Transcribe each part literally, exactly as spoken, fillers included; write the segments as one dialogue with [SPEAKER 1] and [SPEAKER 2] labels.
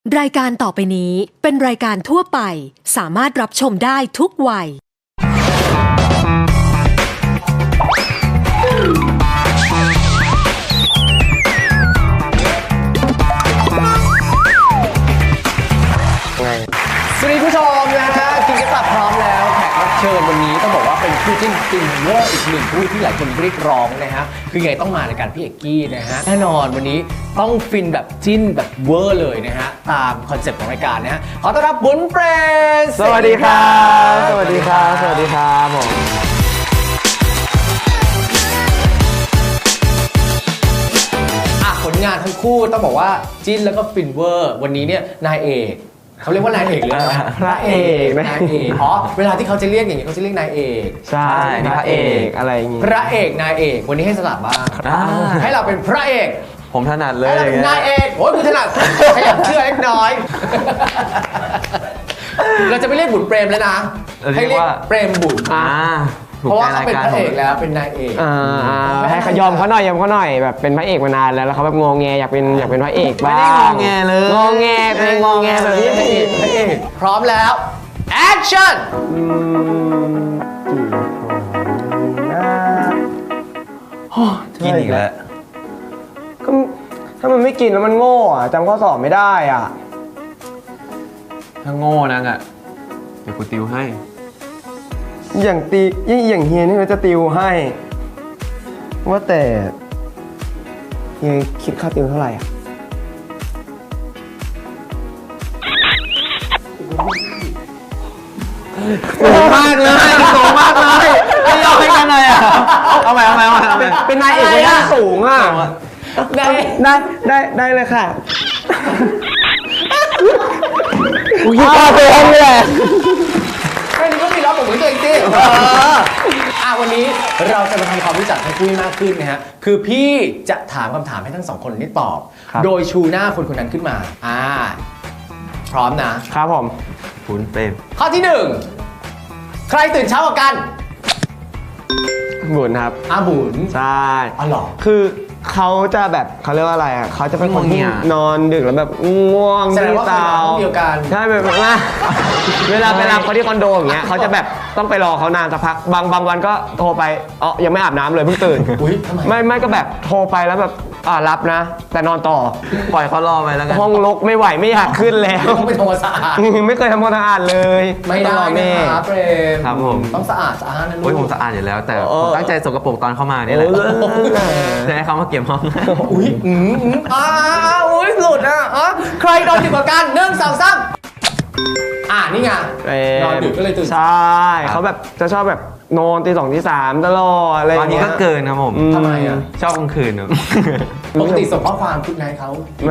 [SPEAKER 1] รายการต่อไปนี้เป็นรายการทั่วไปสามารถรับชมได้ทุกวัย
[SPEAKER 2] สวัสดีผู้ชมนะฮะกินกระตับพร้อมแล้วแขกรับเชิญวันนี้ต้องบอกว่าเป็นคู่จิ้นฟินเวอร์อีกหนึ่งคู่ที่หลายคนเรียกร้องนะฮะคือไงต้องมาในการพี่เอกกี้นะฮะแน่นอนวันนี้ต้องฟินแบบจิ้นแบบเวอร์เลยนะฮะตามคอนเซ็ปต์ของรายการนะฮะขอต้อนรับบุญเปรน
[SPEAKER 3] สวัสดีครับสวัสดีครับสวัสดีครับผม
[SPEAKER 2] ผลงานทั้งคู่ต้องบอกว่าจิ้นแล้วก็ฟินเวอร์วันนี้เนี่ยนายเอกเขาเรียกว่านายเอกหรืออะไรนะ
[SPEAKER 3] พระเอก
[SPEAKER 2] นายเอกอ๋อเวลาที่เขาจะเรียกอย่างนี้เขาจะเรียกนายเอก
[SPEAKER 3] ใช่พระเอกอะไรอย่างงี้
[SPEAKER 2] พระเอกนายเอกวันนี้ให้สลับบ้างให้เราเป็นพระเอก
[SPEAKER 3] ผมถนัดเลย
[SPEAKER 2] ให้เราเป็นนายเอกโอ้ยคุณถนัดขยับเชื่อเล็กน้อยเราจะไม่เรียกบุญเปรมแล้วนะให้เรียกเปรมบุญเพราะว่าเขาเป็นพระเอกแล้วเป็นนายเอก
[SPEAKER 3] ให้ขยอมเขาหน่อยยอมเขาหน่อยแบบเป็นพระเอกมานานแล้วแล้วเขาแบบงงแงอยากเป็นอยากเป็นพระเอกบ้าง
[SPEAKER 2] ไม่ได้งงแงเลย
[SPEAKER 3] งงแงเป็นงงแงแบบนี้พระเอกพระเอก
[SPEAKER 2] พร้อมแล้วแอคชั่น
[SPEAKER 3] กินอีกแล้วก็ถ้ามันไม่กินแล้วมันโง่อะจำข้อสอบไม่ได้อ่ะ
[SPEAKER 4] ถ้าโง่นักอ่ะเดี๋ยวกูติวให้
[SPEAKER 3] อย่างตียิ่งอย่างเฮียนี่เราจะติวให้ว่าแต่เฮียคิดค่าติวเท่าไหร่อ่ะ
[SPEAKER 4] สูงมากเลยสูงมากเลยไม่ยอมให้กันเลยอ่ะเอาใหม่เอาใหม่เอาใหม่เอาใหม่
[SPEAKER 3] เป็นนายเอกที่สูงอ่ะได้ได้ได้ได้เลยค่ะกูคิดค่าติวให้เลย
[SPEAKER 2] แค่นี้ก็มีร้องผมเหมือนตัวเองสิอ่ะวันนี้เราจะมาทำความรู้จักทั้งคู่มากขึ้นนะฮะคือพี่จะถามคำถามให้ทั้งสองคนนี้ตอบโดยชูหน้าคนคนนั้นขึ้นมาอ่าพร้อมนะครับ
[SPEAKER 3] ผม
[SPEAKER 4] บุญเปรม
[SPEAKER 2] ข้อที่หนึ่งใครตื่นเช้ากว่ากัน
[SPEAKER 3] บุญครับ
[SPEAKER 2] อ่ะบุญ
[SPEAKER 3] ใช่
[SPEAKER 2] อ๋อเหรอ
[SPEAKER 3] คือเขาจะแบบเขาเรียกว่าอะไรอ่ะเขาจะเป็นคนที่นอนดึกแล้วแบบง่วง
[SPEAKER 2] ที่เตา
[SPEAKER 3] ใช่แบบว่าเวลาไปรับเขาที่คอนโดอย่างเงี้ยเขาจะแบบต้องไปรอเขานานสักพักบางบางวันก็โทรไปอ๋อยังไม่อาบน้ำเลยเพิ่งตื่นไม่ไม่ก็แบบโทรไปแล้วแบบอ่ารับนะแต่นอนต่อ
[SPEAKER 4] ปล่อยเขารอไปแล้วกัน
[SPEAKER 3] ห้องรกไม่ไหวไม่อยากขึ้นแล้ว
[SPEAKER 2] ไม่ทำความสะอาด
[SPEAKER 3] ไม่เคยทำความสะอาดเลย
[SPEAKER 2] ไม่ได้นะครับเปรม
[SPEAKER 4] ครับผม
[SPEAKER 2] ต้องสะอาดสะอาดนะลูก
[SPEAKER 4] โอ้ยผมสะอาดอยู่แล้วแต่ผมตั้งใจสกปรกตอนเข้ามานี่แหละจะให้เขามาเก็บห้อง
[SPEAKER 2] อุ้ยอืมอ่าอุ้ยหลุดอ่ะอ๋อใครนอนดึกกว่ากันหนึ่งสองสามอ่านี่ไงนอนดึกก็เลยตื่น
[SPEAKER 3] ใช่เขาแบบจะชอบแบบนอนตีสองตีสามตลอดอะไรอย่าง
[SPEAKER 4] เงี้ยตอนนี้ก็เกินครับผม
[SPEAKER 2] ทำไมอ่ะ
[SPEAKER 4] ชอบกลางคืนครับ
[SPEAKER 2] ปกติส่งข้อความคุณนายเขา
[SPEAKER 3] ไม่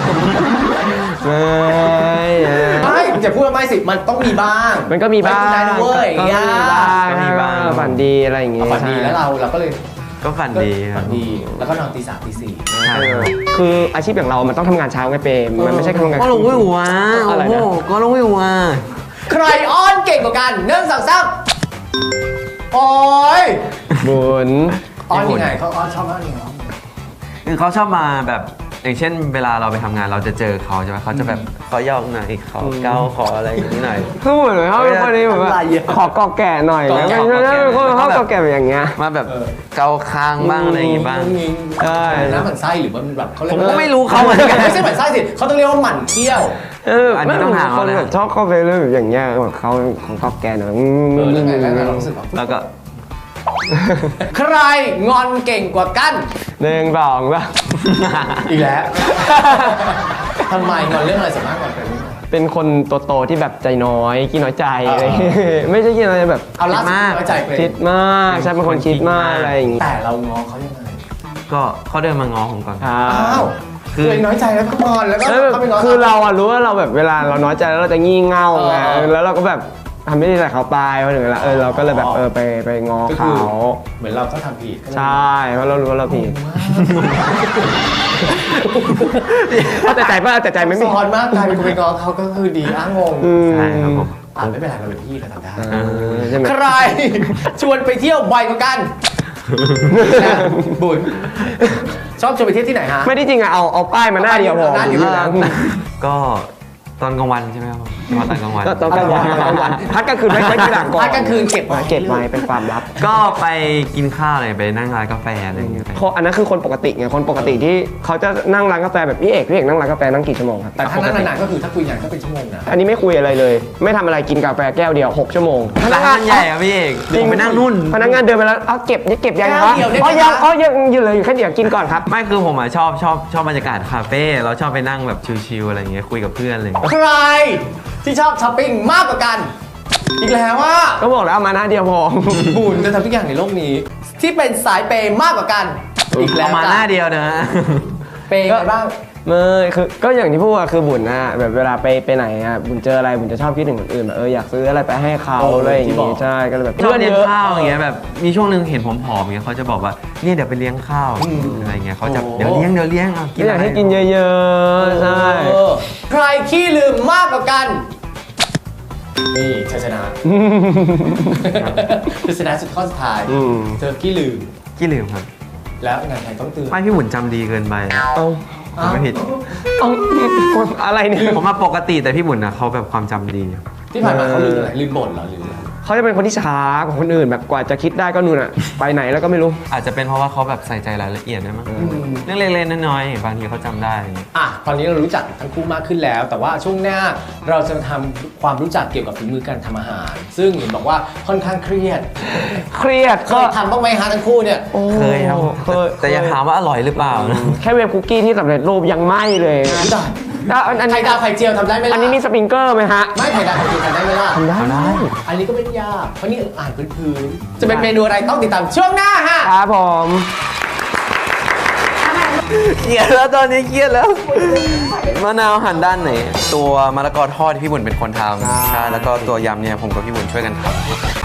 [SPEAKER 2] ไม่จะพูดว่าไม่สิมันต้องมีบ้าง
[SPEAKER 3] มันก็มีบ้าง
[SPEAKER 2] คุณนายนะเว้ย
[SPEAKER 3] ก็มีบ้างฝันดีอะไรอย่างเงี้ย
[SPEAKER 2] ฝันดีแล้วเราเราก็เลย
[SPEAKER 4] ก็ฝันดี
[SPEAKER 2] ฝันดีแล้วก็นอนตีสามตีสี่
[SPEAKER 3] คืออาชีพอย่างเรามันต้องทำงานเช้าไงเปมมันไม่ใช่ทำงาน
[SPEAKER 4] ก็ลงวิวว่ะอะไรนะก็ลงวิวว่ะ
[SPEAKER 2] ใครอ้อนเก่งกว่ากันหนึ่งสองสามโอ้ย
[SPEAKER 3] บุญ
[SPEAKER 2] อ้อนยังไงเขาอ้อนชอบอ้อนยังไง
[SPEAKER 4] คือเขาชอบมาแบบอย่างเช่นเวลาเราไปทำงานเราจะเจอเขาใช่ไหมเขาจะแบบขอยอกหน่อยขอเก้าขออะไรอย่างนี้หน่อย
[SPEAKER 3] คือเหมือนเขาเป็นคนนี้แบบขอกอแก่หน่อยนะไม่ใช่คนเขากอแก่แบบอย่างเงี้ย
[SPEAKER 4] มาแบบเกาคางบ้างอะไรอย่างงี้บ้าง
[SPEAKER 2] ใช่น้ำหมั่นไส้หรือว่ามันแบบเขาเรียก
[SPEAKER 4] ผมก็ไม่รู้เขาเหมือนกัน
[SPEAKER 2] ไม่ใช่หมั่นไส้สิเขาต้องเรียกว่าหมั่นเที่ยว
[SPEAKER 3] เอออันนี้ต้องหาเขาเลยชอบเข้าไปเรื่องแบบอย่างเงี้ยแบบเขาของกอแก่หน่อย
[SPEAKER 2] เออแล้วไงแล้วไงเรารู้สึก
[SPEAKER 4] แล้วก็
[SPEAKER 2] ใครงอนเก่งกว่ากัน
[SPEAKER 3] หนึ่งสองป่ะ
[SPEAKER 2] อีกแล้วทำไมงอนเรื่องอะไรส่วนมากก่อนเป็น
[SPEAKER 3] เป็นคนโตๆที่แบบใจน้อยขี้น้อยใจอะไรไม่ใช่ขี้น้อยแบบ
[SPEAKER 2] เอาล่าสุดน้อยใจไป
[SPEAKER 3] คิดมากใช่เป็นคนคิดมากอะไรอย่างงี้
[SPEAKER 2] แต่เรางอเขายังไง
[SPEAKER 4] ก็เขาเดินมางอผมก่อน
[SPEAKER 2] อ้าวคือน้อยใจแล้วก็งอนแล้วก็เขาไปงอ
[SPEAKER 3] คือเราอะรู้ว่าเราแบบเวลาเราน้อยใจแล้วเราจะงี่เง่าไงแล้วเราก็แบบทำไม่ดีใส่เขาไปพอถึงเวลาเออเราก็เลยแบบเออไปไปงอเขา
[SPEAKER 2] เหมือนเราก็ทำผิด
[SPEAKER 3] ใช่เพราะเรารู้ว่าเราผิดแต่ใจป่ะแต่ใจไม่
[SPEAKER 2] สอนมากกลายเป็นคนไปงอเขาก็คือดีอ้างงง
[SPEAKER 4] ใช่ครับผม
[SPEAKER 2] อ่าไม่เป็นไรเราเป็นพี่เราทำได้ใครชวนไปเที่ยวบ่อยกว่ากันบุญชอบชวนไปเที่ยวที่ไหนฮะ
[SPEAKER 3] ไม่ได้จริงอะเอาเอาป้ายมาหน้าเดียวพอ
[SPEAKER 4] ก็ตอนกลางวันใช่ไหมครับมาตอนกลางวัน
[SPEAKER 3] ก็ตอนกลางวันตอนกลางวันพักกลางคืนไว้ไว้ทีหลังก่อน
[SPEAKER 2] พักกลางคืนเก็บไว้
[SPEAKER 3] เก็บไว้เป็นความลับ
[SPEAKER 4] ก็ไปกินข้าวอะไรไปนั่งร้านกาแฟอะไรอย่างเงี้ย
[SPEAKER 3] เพราะอันนั้นคือคนปกติไงคนปกติที่เขาจะนั่งร้านกาแฟแบบพี่เอกพี่เอกนั่งร้านกาแฟนั่งกี่ชั่วโมงครับ
[SPEAKER 2] แต่ถ้านั่งนานๆก็คือถ้าคุยงานก็เป็นชั่วโมงนะ
[SPEAKER 3] อันนี้ไม่คุยอะไรเลย ไม่ทำอะไรกินกาแฟแก้วเดียวหกชั่วโมง
[SPEAKER 4] ร้านมันใหญ่อะพี่เอกเดี๋ยวผมไปนั่งนู่น
[SPEAKER 3] พนักงานเดินไปแล้วเอาเก็บนี่เก็บยัง
[SPEAKER 2] แก้
[SPEAKER 3] คว รับ
[SPEAKER 2] เดียวได้ไหม
[SPEAKER 3] อ๋อยัง
[SPEAKER 2] คะ
[SPEAKER 3] อ๋อยังอยู่เลยแค่เดี๋ยวกินก่อนครับ
[SPEAKER 4] ไม่คือผมอะชอบชอบชอบบรรยากาศคาเฟ่เราชอบไปนั่งแบบชิลๆอะไรอย่างเงี้ยคุยกับเพื่อนอะไรอย่างเงี้ย
[SPEAKER 2] ใครที่ชอบช้อปปิ้งมากกว่ากัน อีกแล้วว่า
[SPEAKER 3] ก็บอกแล้วเอามาหน้าเดียวพอ
[SPEAKER 2] บุญจะทำทุกอย่างในโลกนี้ ที่เป็นสายเปย์มากกว่ากัน อีกแล้ว
[SPEAKER 4] เอามาหน้าเดียวนะ
[SPEAKER 2] เปย์กันบ้าง
[SPEAKER 3] ไม่คือก็อย่างที่พูดอะคือบุญนะแบบเวลาไปไปไหนอะบุญเจออะไรบุญจะชอบคิดถึงคนอื่นแบบเอออยากซื้ออะไรไปให้เขา
[SPEAKER 2] โอ้
[SPEAKER 3] อะไรอย่าง
[SPEAKER 2] ที่บอ
[SPEAKER 3] งี้
[SPEAKER 2] ก
[SPEAKER 3] ใช่ก็เลยแบบ
[SPEAKER 4] ชอบ
[SPEAKER 3] เพื่อน
[SPEAKER 4] เลี้ย
[SPEAKER 3] เย
[SPEAKER 4] ง
[SPEAKER 3] อะ
[SPEAKER 4] ข้าวอย่างเงี้ยแบบมีช่วงหนึ่งเห็นผมผอมๆอย่างเงี้ยเขาจะบอกว่าเนี่ยเดี๋ยวไปเลี้ยงข้าวอะไรเงี้ยเขาจะ
[SPEAKER 2] โอ้
[SPEAKER 4] เดี๋ยวเลี้ยงเดี๋ยวเลี้ยงอ่ะ
[SPEAKER 3] ก็อยากให้กินเยอะๆใช่
[SPEAKER 2] เออใครขี้ลืมมากกว่ากัน นี่ชัยชนะชัยชนะสุดข้อสุดท้าย
[SPEAKER 3] อืม
[SPEAKER 2] เธอขี้ลืม
[SPEAKER 4] ขี้ลืมครับ
[SPEAKER 2] แล้วงานไทยต้องเตือน
[SPEAKER 4] ไม่พี่หมุนจำดีเกินไป
[SPEAKER 3] เอา
[SPEAKER 4] ผมไม่ผิด
[SPEAKER 3] เอาอะไรเนี่ย
[SPEAKER 4] ผมมาปกติแต่พี่หมุนนะเขาแบบความจำดี
[SPEAKER 2] ที่ผ่านมาเขาลืมอะไรลืมบ่นเหรอหรืออะไร
[SPEAKER 3] เขาจะเป็นคนที่ช้ากว่าคนอื่นแบบกว่าจะคิดได้ก็นู่นอะไปไหนแล้วก็ไม่รู้
[SPEAKER 4] อาจจะเป็นเพราะว่าเขาแบบใส่ใจรายละเอียดด้วยมั้งเรื่องเล็กๆน้อยๆบางทีเขาจำได้
[SPEAKER 2] อ่ะตอนนี้เรารู้จักทั้งคู่มากขึ้นแล้ว แต่ว่าช่วงหน้าเราจะทำความรู้จักเกี่ยวกับฝีมือการทำอาหาร ซึ่งเห็นบอกว่าค่อนข้างเครียด
[SPEAKER 3] เครียด
[SPEAKER 2] เค
[SPEAKER 3] ก็
[SPEAKER 2] ยทำบ้างไหมฮะทั้งคู่เนี่ย
[SPEAKER 3] โอ้
[SPEAKER 4] เคยครับ
[SPEAKER 3] เคย
[SPEAKER 4] แต่อย่าถามว่าอร่อยหรือเปล่านะ
[SPEAKER 3] แค่เวฟคุกกี้ที่สำเร็จรูปยังไหม้เลย
[SPEAKER 2] ไม่ได้
[SPEAKER 3] แล้วอันอัน
[SPEAKER 2] ไข่
[SPEAKER 3] นี้
[SPEAKER 2] ดาวไข่เจียวทำได้ไหมล่ะ
[SPEAKER 3] อันนี้มีสปริงเกอร์ไหมฮะ
[SPEAKER 2] ไม่ไข่ดาวไข่เจียวทำได้ไหมล่ะ
[SPEAKER 3] ทำได้
[SPEAKER 2] อันนี้ก็ไม่ได้ยากเพราะนี่อ่านพื้นๆจะเป็นเมนูอะไรต้องติดตามช่วงหน้าฮะ
[SPEAKER 3] ครับผม
[SPEAKER 4] เครียดแล้วตอนนี้เครียดแล้วมะนาวหั่นด้านไหน ตัวมะละกอทอดที่พี่บุญเป็นคนทำใช่แล้วก็ตัวยำเนี่ยผมกับพี่บุญช่วยกันทำ